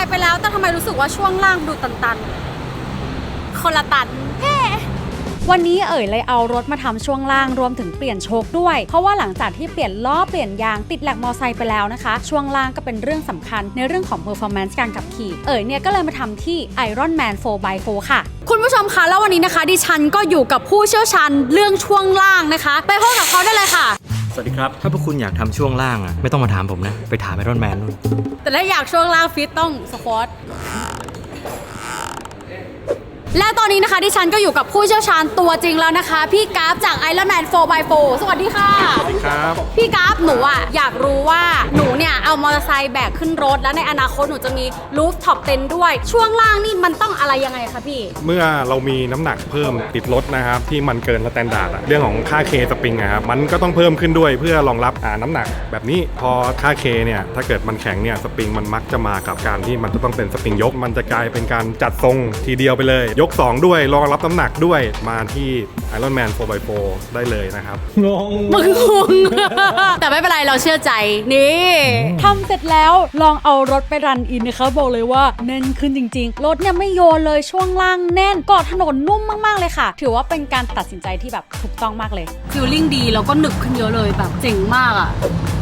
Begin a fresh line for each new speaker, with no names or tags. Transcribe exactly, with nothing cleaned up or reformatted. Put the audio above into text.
ค์ไปแล้วแต่ทำไมรู้สึกว่าช่วงล่างดูตันๆคนละตันเฮ้วันนี้เอ๋ยเลยเอารถมาทำช่วงล่างรวมถึงเปลี่ยนโชคด้วยเพราะว่าหลังจากที่เปลี่ยนล้อเปลี่ยนยางติดแหลกมอไซค์ไปแล้วนะคะช่วงล่างก็เป็นเรื่องสำคัญในเรื่องของ performance การขับขี่เอ๋ยเนี่ยก็เลยมาทำที่ Iron Man โฟร์ บาย โฟร์ ค่ะคุณผู้ชมคะแล้ววันนี้นะคะดิฉันก็อยู่กับผู้เชี่ยวชาญเรื่องช่วงล่างนะคะไปพบกับเขาได้เลยค่ะ
สวัสดีครับถ้าพวกคุณอยากทำช่วงล่างอ่ะไม่ต้องมาถามผมนะไปถามไอรอนแมนนู่น
แต่ถ้าอยากช่วงล่างฟิตต้องสควอตและตอนนี้นะคะดิฉันก็อยู่กับผู้เชี่ยวชาญตัวจริงแล้วนะคะพี่กราฟจาก Iron Man โฟร์ บาย โฟร์ สวัสดีค่ะ
สวัสดีครับ
พี่กราฟหนูอ่ะอยากรู้ว่าหนูเนี่ยเอามอเตอร์ไซค์แบกขึ้นรถแล้วในอนาคตหนูจะมีรูฟท็อปเต็นท์ด้วยช่วงล่างนี่มันต้องอะไรยังไงคะพี่
เมื่อเรามีน้ำหนักเพิ่มติดรถนะครับที่มันเกินสแตนดาร์ดเรื่องของค่าเคสปริงนะครับมันก็ต้องเพิ่มขึ้นด้วยเพื่อรองรับอ่าน้ำหนักแบบนี้พอค่าเคเนี่ยถ้าเกิดมันแข็งเนี่ยสปริงมันมักจะมากับการที่มันจะต้องเป็นสปริงยกมันจะกลายเป็นการจัดทรงทีเดียวไปเลยยกสองด้วยรองรับน้ำหนักด้วยมาที่ Iron Man โฟร์ บาย โฟร์ ได้เลยนะครับ
งง
มึงงง แต่ไม่เป็นไรเราเชื่อใจนี่ทำเสร็จแล้วลองเอารถไปรันอินนะคะบอกเลยว่าแน่นขึ้นจริงๆรถเนี่ยไม่โยนเลยช่วงล่างแน่นเกาะถนนนุ่มมากๆเลยค่ะถือว่าเป็นการตัดสินใจที่แบบถูกต้องมากเลยฟีลลิ่งดีแล้วก็หนึบขึ้นเยอะเลยแบบเจ๋งมากอ่ะ